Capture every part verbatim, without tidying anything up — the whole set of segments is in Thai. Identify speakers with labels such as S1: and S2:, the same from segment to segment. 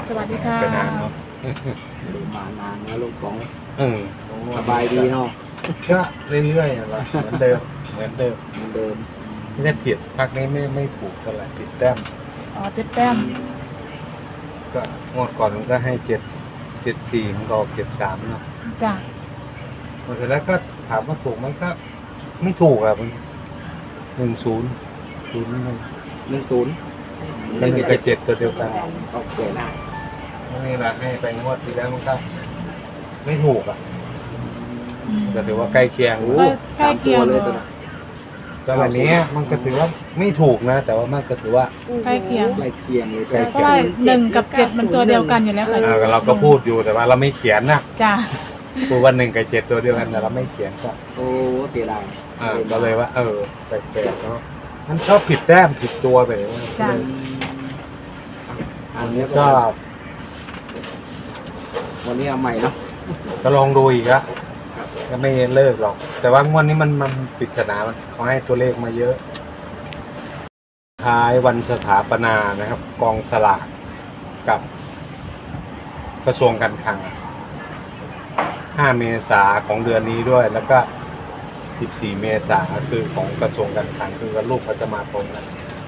S1: สวัสดีค่ะ
S2: เป็นนานเนาะ
S3: มานานนะลูกของ
S2: เออ
S3: สบายดีเนาะ
S2: ก็เรื่อยๆอะเหมือนเดิมเหมือนเดิม
S3: เหมือนเดิม
S2: ไม่ได้ผิดพักนี้ไม่ไม่ถูกเท่าไหร่ผิดแต้ม
S1: อ๋อติดแต้ม
S2: ก็งวดก่อนมันก็ให้เจ็ดเจ็ดสี่มันก็ออกเจ็ดสามเนาะ
S1: จ้ะ
S2: หมดแล้วก็ถามว่าถูกไหมก็ไม่ถูกอ่ะมันหนึ่งศูนย์ศูนย์หนึ่ง
S3: หนึ่งศูนย์
S2: มันมีกระเจ็ดตัวเดียวกัน
S3: โอเคนะ
S2: นี่แหละให้ไปงวดที่แล้วมันก็ไม่ถูกอ่ะ
S1: อืม
S2: ก็ถือว่าใกล้เคียง
S1: ใกล้ใกล้เคียง
S3: เลยตัว
S2: ก็วันนี้มันก็ถือว่าไม่ถูกนะ แต่ว่ามันก็ถือว่า
S1: ใกล้เคียง
S3: ใกล้เคียงเลย
S2: ใกล้
S1: เพราะว่าหนึ่งกับเจ็ดมันตัวเดียวกันอยู่แล้วค่ะ
S2: เออเราก็พูดอยู่แต่ว่าเราไม่เขียนนะ
S1: จ้ะ
S2: พูดว่าหนึ่งกับเจ็ดตัวเดียวกันแต่เราไม่เขียนก็
S3: โอ้เสียดาย
S2: เออก็เลยว่า เออแปลกๆเนาะมันชอบผิดแต้มผิดตัวไปเลย
S1: จ้ะ
S3: อันนี้
S2: ก็
S3: ก็วันนี้เอาใหม่เนาะ
S2: ก็ลองดูอีกอะก็ไม่เลิกหรอก แต่ว่างวดนี้มันมันปริศนามันเขาให้ตัวเลขมาเยอะ ท้ายวันสถาปนานะครับ กองสลากกับกระทรวงการคลังห้าเมษาของเดือนนี้ด้วย แล้วก็สิบสี่เมษาคือของกระทรวงการคลังคือรูปเขาจะมาตรงกัน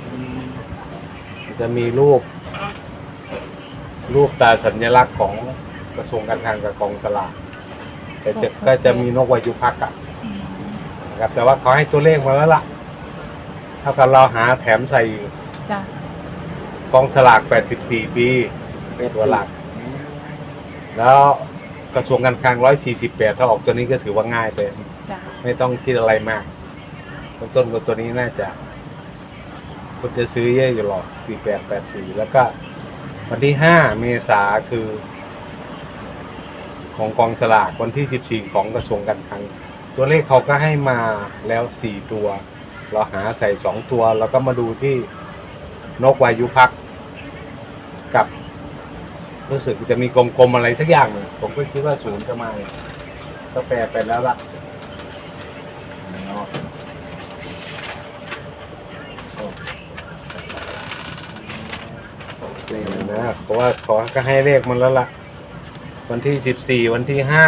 S2: จะมีรูป รูปตาสัญลักษณ์ของกระทรวงการคลังกับกองสลากแต่จะก็จะมีนกวายุพักษ์อะ
S1: อืม
S2: นะครับแต่ว่าเขาให้ตัวเลขมาแล้วล่ะเท่ากับเราหาแถมใส่
S1: จ้ะ
S2: กองสลากแปดสิบสี่ปี
S3: เป็น
S2: ตัวหลัก แล้วกระทรวงการคลังหนึ่งร้อยสี่สิบแปดถ้าออกตัวนี้ก็ถือว่าง่ายไป
S1: จ้ะ
S2: ไม่ต้องคิดอะไรมากต้นต้นกับตัวนี้น่าจะคนจะซื้อเยอะอยู่หรอกสี่แปดแปดสี่แล้วก็วันที่ห้าเมษาคือ ของกองสลากวันที่สิบสี่ของกระทรวงการคลังตัวเลขเขาก็ให้มาแล้วสี่ตัว เราหาใส่สองตัว แล้วก็มาดูที่นกวายุพักษ์กับ รู้สึกจะมีกลมๆอะไรสักอย่างหนึ่งผมก็คิดว่าศูนย์จะมาก็แปลไปแล้วล่ะเนาะเลยนะเพราะว่าขอก็ให้เลขมันแล้วล่ะ วันที่สิบสี่วันที่ห้า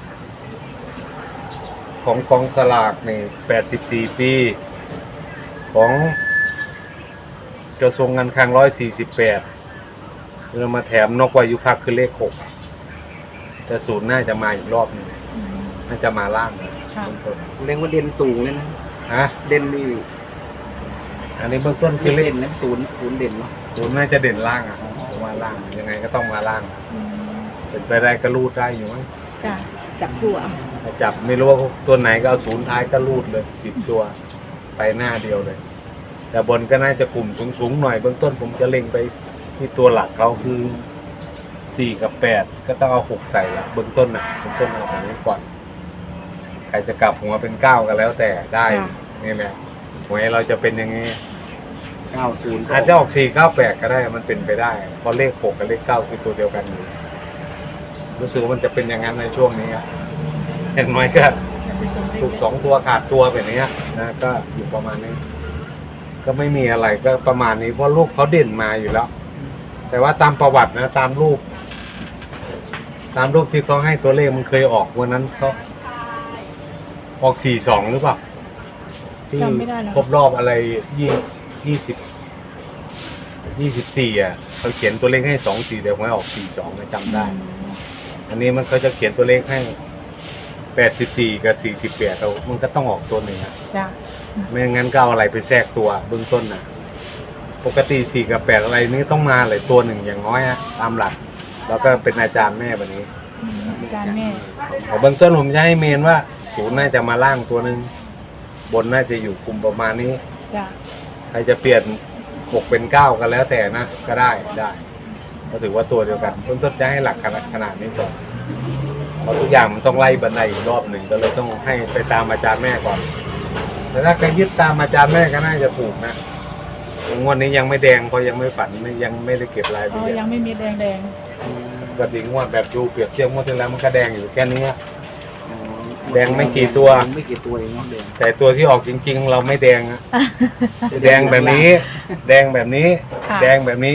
S2: ของกองสลากนี่แปดสิบสี่ปี ของกระทรวงการคลังร้อยสี่สิบแปดเรามาแถมนกวายุพักษ์คือเลขหกแต่ศูนย์น่าจะมาอีกรอบหนึง
S1: อืม
S2: น่าจะมาล่างนะ
S1: ค่ะ
S2: ต้น
S3: เรียกว่าเด่นสูงเลยนะ
S2: ๆฮะ
S3: เด่นนี่
S2: อันนี้เบื้องต้นคื
S3: คือ อ
S2: เล
S3: เด่
S2: ข
S3: นนะศูนย์ศูนย์เด่นเนาะ
S2: ศูนย์น่าจะเด่นล่างอ่ะผมว่าล่างยังไงก็ต้องมาล่าง
S1: อืม
S2: เป็นไปได้ก็รูดได้อยู่มั้ง
S1: จ้ะ
S4: จับคู่เอา
S2: ถ้าจับไม่รู้ว่าตัวไหนก็เอาศูนย์ท้ายก็รูดเลยสิบตัวไปหน้าเดียวเลย แต่บนก็น่าจะกลุ่มสูงๆหน่อยเบื้องต้นผมจะเล็งไปที่ตัวหลักเขาคือสี่กับแปดก็ต้องเอาหกใส่ละเบื้องต้นนะเบื้องต้นเอาแบบนี้ก่อนใครจะกลับหัวเป็นเก้าก็แล้วแต่ได้นี่แหละหวยเราจะเป็นอย่างนี้
S3: เก้าศูนย์
S2: อาจจะออกสี่เก้าแปดก็ได้มันเป็นไปได้เพราะเลขหกกับเลขเก้าคือตัวเดียวกันอยู่รู้สึกว่ามันจะเป็นอย่างนั้นในช่วงนี้อะอย่างน้อยก็
S1: อย่าไปสนเล
S2: ถู
S1: ข
S2: กสองตัวขาดตัวแบบนี้นะก็อยู่ประมาณนี้ ก็ไม่มีอะไรก็ประมาณนี้เพราะลูกเขาเด่นมาอยู่แล้ว แต่ว่าตามประวัตินะตามรูป ตามรูปที่เขาให้ตัวเลขมันเคยออกวันนั้นเขาออกสี่สองหรือเปล่าที่
S1: จำไม่ได้แล้ว
S2: ครบรอบอะไรยี่ยี่สิบยี่สิบสี่อ่ะเขาเขียนตัวเลขให้สองสี่แต่หวยออกสี่สองจำได้ อันนี้มันเขาจะเขียนตัวเลขให้แปดสิบสี่กับสี่สิบแปดเรามันก็ต้องออกตัวหนึ่งอะ
S1: จ้ะ
S2: ไม่งั้นก็เอาอะไรไปแทรกตัวเบื้องต้นนะปกติสี่กับแปดอะไรนี่ต้องมาเลยตัวหนึ่งอย่างน้อยอะตามหลัก แล้วก็เป็นอาจารย์แม่แบบนี้
S1: อืมอาจารย์แม่
S2: ของเบื้องต้นผมจะให้เมนว่าศูนย์น่าจะมาล่างตัวหนึ่งบนน่าจะอยู่กลุ่มประมาณนี้
S1: จ้ะ
S2: ใครจะเปลี่ยนหกเป็นเก้าก็แล้วแต่นะก็ได้ได้ก็ถือว่าตัวเดียวกันเบื้องต้นจะให้หลักขนาดขนาดนี้ก่อนเพราะทุกอย่างมันต้องไล่บันไดอีกรอบหนึ่งก็เลยต้องให้ไปตามอาจารย์แม่ก่อนแต่ถ้าใครยึดตามอาจารย์แม่ก็น่าจะถูกนะงวดนี้ยังไม่แดงเพราะยังไม่ฝันไม่ยังไม่ได้เก็บรายละ
S1: อ๋อ
S2: เอียด
S1: ยังไม่มีแดงแดง
S2: ปกติงวดแบบดูเปรียบเทียบงวดที่แล้วมันก็แดงอยู่แค่นี้ แดงไม่กี่ตัว
S3: ไม่กี่ตัวเองเนาะแดง
S2: แต่ตัวที่ออกจริง ๆ เราไม่แดงอะ
S1: ๆ
S2: แดงแบบนี้ แดงแบบนี้
S1: ค่ะ
S2: แดงแบบนี้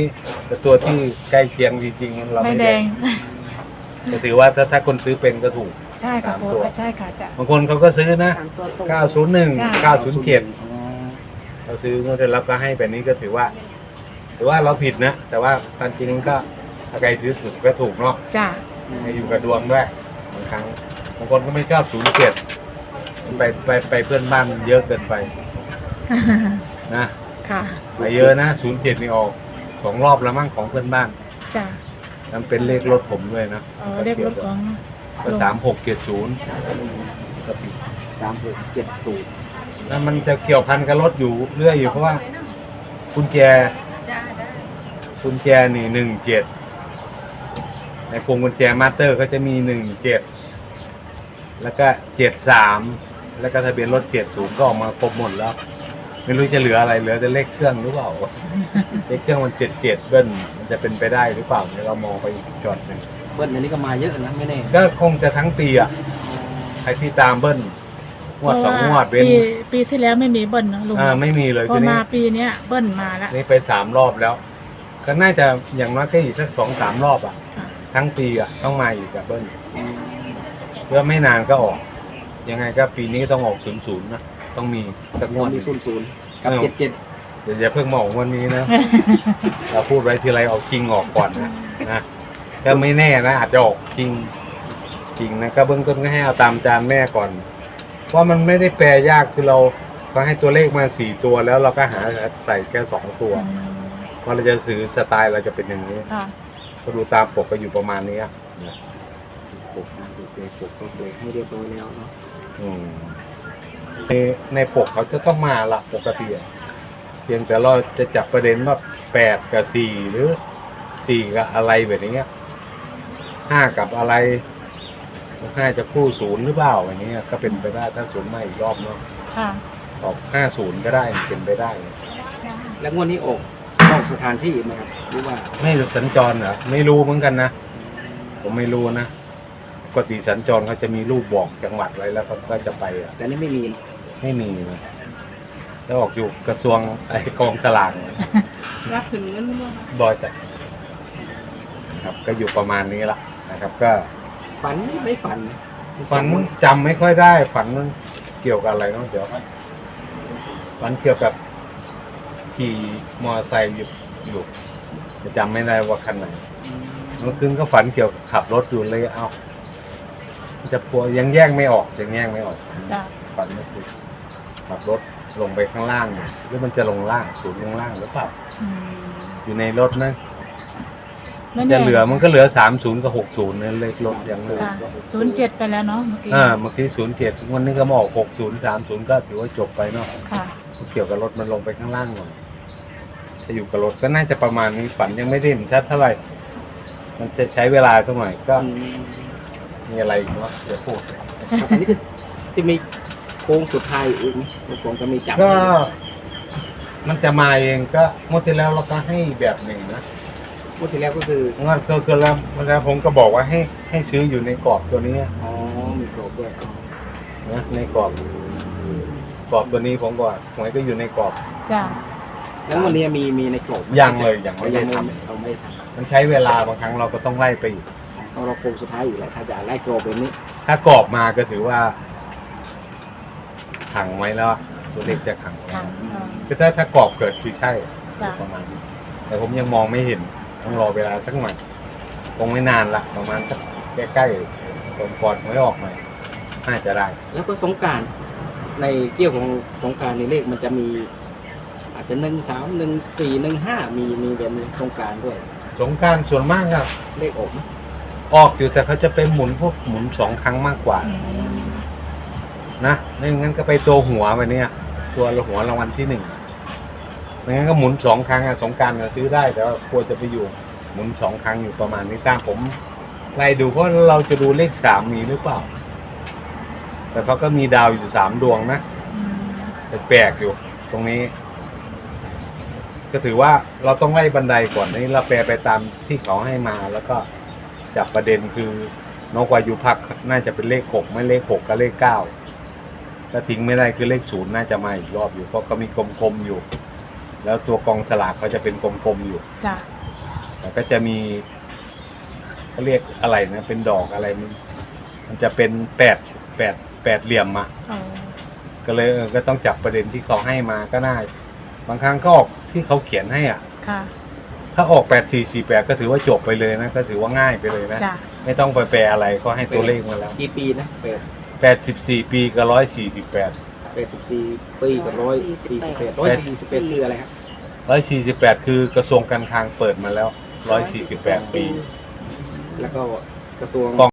S2: แต่ตัวที่ใกล้เคียงจริงๆเรา
S1: ไม่
S2: ไม่
S1: แด
S2: แด
S1: ง
S2: งก็ถือว่าถ้าถ้าคนซื้อเป็นก็ถูก
S1: ใช่ค่ะ
S2: สาม
S1: โอ้
S2: ตัว
S1: ใช่ค่ะจ้ะ
S2: บางคนเขาก็ซื้อนะ
S4: สามตัวตรง
S2: เก้าศูนย์หนึ่ง
S1: ใช่
S2: เก้าศูนย์เจ็ด
S3: อ๋อ
S2: เราซื้องวดที่แล้วก็ให้แบบนี้ก็ถือว่า ถือว่าเราผิดนะ แต่ว่าตามจริงก็ถ้าใครซื้อถูกก็ถูกเนาะ
S1: จ้ะ
S2: ให้อยู่กับดวงด้วยบางครั้งบางคนก็ไม่ชอบศูนย์เจ็ดไปไปไปเพื่อนบ้านเยอะเกินไปนะ
S1: ค่ะ
S2: ไปเยอะนะศูนย์เจ็ดนี่ออกสองรอบแล้วมั้งของเพื่อนบ้าน
S1: จ้ะ
S2: มันเป็นเลขรถผมด้วยนะ
S1: เออเรียกรถของ
S2: ก็สามหกเจ็ดศูนย์ก็ผิด
S3: สามหกเจ็ดศูนย์
S2: แล้วมันจะเกี่ยวพันกับรถอยู่เรื่อยอยู่เพราะว่ากุญแจกุญแจนี่หนึ่งเจ็ดในพวงกุญแจมาสเตอร์เขาจะมีหนึ่งเจ็ดแล้วก็เจ็ดสามแล้วก็ทะเบียนรถเจ็ดศูนย์ก็ออกมาครบหมดแล้ว ไม่รู้จะเหลืออะไรเหลือแต่เลขเครื่องหรือเปล่า เลขเครื่องมันเจ็ดเจ็ดเบิ้ลมันจะเป็นไปได้หรือเปล่าเดี๋ยวเรามองไปอีกจอดหนึ่ง
S3: เบิ้ลอันนี้ก็มาเยอะนะไม่แน่
S2: ก็คงจะทั้งปีอ่ะใครที่ตามเบิ้ลงวดสองงวดเว้น
S1: ปีปีที่แล้วไม่มีเบิ้ลเนอะลุง
S2: อ่าไม่มีเลย
S1: พอ
S2: ทีนี้
S1: มาปีเนี้ยเบิ้ลมาแล้ว
S2: นี่ไปสามรอบแล้ว ก็น่าจะอย่างน้อยก็อีกสักสองสามรอบอ่ะ
S1: ค่ะ
S2: ทั้งปีอ่ะต้องมาอีกกับเบิ้ลเพื่อไม่นานก็ออก ยังไงก็ปีนี้ต้องออกศูนย์ศูนย์นะต้องมีสักงวด
S3: มีศูนย์ศูนย์กับ
S2: เออ
S3: เจ็ดเจ็ด
S2: เดี๋ยวอย่าเพิ่งมาออกวันนี้นะ เราพูดไว้ทีไรออกจริงออกก่อนนะนะก็ไม่แน่นะอาจจะออกจริงจริงนะก็เบื้องต้นก็ให้เอาตามจานแม่ก่อนเพราะมันไม่ได้แปลยากคือเราก็ให้ตัวเลขมาสี่ตัวแล้วเราก็หาใส่แค่สองตัว
S1: อืม
S2: เพราะเราจะซื้อสไตล์เราจะเป็นอย่างนี้
S1: ค่ะ
S2: ก็ดูตามปกก็อยู่ประมาณนี้อะนะ
S3: ปกนะดูเลยปกก็เลยให้เรียบร้อยแล้วเนาะ
S2: อืมในในปกเขาจะต้องมาละปกติอะเพียงแต่เราจะจับประเด็นว่าแปดกับสี่หรือสี่กับอะไรแบบนี้ห้ากับอะไรห้าจะคู่ศูนย์หรือเปล่าอย่างนี้ยก็เป็นไปได้ถ้าศูนย์มาอีกรอบเนาะ
S1: ค่ะ
S2: ออกห้าศูนย์ก็ได้เป็นไปได้
S3: แล้วงวดนี้ออกออกสถานที่ไหมครับหรือว่า
S2: ไม่สัญจรเหรอไม่รู้เหมือนกันนะผมไม่รู้นะปกติสัญจรเขาจะมีรูปบอกจังหวัดไว้แล้วเขาก็จะไปอ่ะ
S3: แต่นี่ไม่มี
S2: ไม่มีนะแล้วออกอยู่กระทรวงไอ้กองสลาก
S4: รับถึงเงินมั้ง
S2: บอยจัดครับก็อยู่ประมาณนี้ละนะครับ ก็
S3: ฝันไม่ฝัน
S2: ฝันจำไม่ค่อยได้ ฝันมันเกี่ยวกับอะไรเนาะเดี๋ยวฝันเกี่ยวกับขี่มอเตอร์ไซค์อยู่อยู่จะจำไม่ได้ว่าคันไหนเมื่อคืนก็ฝันเกี่ยวกับขับรถอยู่เลยเอาจะปัวยังแยกไม่ออกยังแยกไม่ออก
S1: จ้ะ
S2: ฝันเมื่อคืนขับรถลงไปข้างล่างเนี่ยหรือมันจะลงล่างศูนย์ลงล่างหรือเปล่า
S1: อืม
S2: อยู่ในรถนะ
S1: ไม่
S2: จะ
S1: แน่
S2: เหลือมันก็เหลือสามศูนย์กับหกศูนย์นั่นเลขรถยังเหลือ
S1: ค่ะศูนย์เจ็ดไปแล้วเนาะเมื่อกี้
S2: อ่าเมื่อกี้ศูนย์เจ็ดวันนี้ก็มาออกหกศูนย์สามศูนย์ก็ถือว่าจบไปเนาะ
S1: ค่ะ
S2: เกี่ยวกับรถมันลงไปข้างล่างหน่อยจะอยู่กับรถก็น่าจะประมาณนี้ฝันยังไม่ได้เห็นชัดเท่าไหร่มันจะใช้เวลาสักหน่อยก็
S3: อืม
S2: มีอะไรอีกเนาะเดี๋ยวพูด
S3: อันนี้คือจะมีโค้งสุดท้ายอีกไหมแล้วผมจะมีจับ
S2: ก็มันจะมาเองก็เมื่อที่แล้วเราก็ให้แบบหนึ่งนะ
S3: งวดที่แล้วก็คือ
S2: งั้นก็คือแล้วแล้วผมก็บอกว่าให้ให้ซื้ออยู่ในกรอบตัวนี้
S3: อ๋อมีกรอบด้วย
S2: นะในกรอบกรอบตัวนี้ผมก็หวยก็อยู่ในกรอบ
S1: จ้ะ
S3: แล้ววันนี้มีมีในกรอบไหม
S2: ยังเลยยังไม่
S3: ยั
S2: ได้
S3: งไม่
S2: ทำ
S3: เราไม่ได้ท
S2: มันใช้เวลาบางครั้งเราก็ต้องไล่ไปอีก
S3: ำเอาเราโค้งสุดท้ายอยู่แล้วถ้าจะไล่กรอบแบบนี้
S2: ถ้ากรอบมาก็ถือว่าขังไว้แล้วอะตัวเลขจะขังไว้
S1: ค่ะอ่า
S2: คือถ้าถ้ากรอบเกิดคือใช่
S1: จ้ะ
S2: ประมาณนี้แต่ผมยังมองไม่เห็นต้องรอเวลาสักหน่อยคงไม่นานละประมาณสักใกล้ๆตรงก่อนหวยออกหน่อยน่าจะได้
S3: แล้วก็สงกรารในเกี่ยวของสงกรารในเลขมันจะมี อาจจะหนึ่งสามหนึ่งสี่หนึ่งห้ามีมีเป็นสงกรารด้วย
S2: สงกรารส่วนมากครับ
S3: เลขออกไหม
S2: ออกอยู่แต่เขาจะไปหมุนพวกหมุนสองครั้งมากกว่า
S1: อืม
S2: นะไม่งั้นก็ไปตัวหัวไปเนี่ย ตัวละหัวรางวัลที่หนึ่งไม่งั้นก็หมุนสองครั้งอะสงกรารซื้อได้แต่ว่ากลัวจะไปอยู่หมุนสองครั้งอยู่ประมาณนี้ตามผมไล่ดูเพราะเราจะดูเลขสามมีหรือเปล่า แต่เขาก็มีดาวอยู่สามดวงนะ
S1: อืม
S2: แปลกๆอยู่ ตรงนี้ ก็ถือว่าเราต้องไล่บันไดก่อนนี่เราแปลไปตามที่เขาให้มา แล้วก็จับประเด็นคือนกวายุพักน่าจะเป็นเลขหกไม่เลขหกก็เลขเก้าถ้าทิ้งไม่ได้คือเลขศูนย์น่าจะมาอีกรอบอยู่เพราะก็มีกลมๆอยู่ แล้วตัวกองสลากเขาจะเป็นกลมๆอยู่
S1: จ้ะ
S2: แล้วก็จะมีเขาเรียกอะไรนะเป็นดอกอะไรมันมันจะเป็นแปดแปดแปดเหลี่ยมอะ
S1: อ๋อ
S2: ก็เลยเออก็ต้องจับประเด็นที่เขาให้มาก็น่าบางครั้งก็ออกที่เขาเขียนให้อ่ะ
S1: ค่ะ
S2: ถ้าออกแปดสี่สี่แปดก็ถือว่าจบไปเลยนะก็ถือว่าง่ายไปเลยนะ
S1: จ้ะ
S2: ไม่ต้องไปแปลอะไรก็ให้ตัวเลขมาแล้ว
S3: กี่ปีนะแปด
S2: แปดสิบสี่ปีกับร้อยสี่สิบแปด
S3: แปดสิบสี่ปีกับร้อยสี่สิบแปดร้อยสี่สิบแปดคืออะไรครับ
S2: ร้อยสี่สิบแปดคือกระทรวงการคลังเปิดมาแล้วร้อยสี่สิบแปดปี
S3: แล้วก็กระทรวง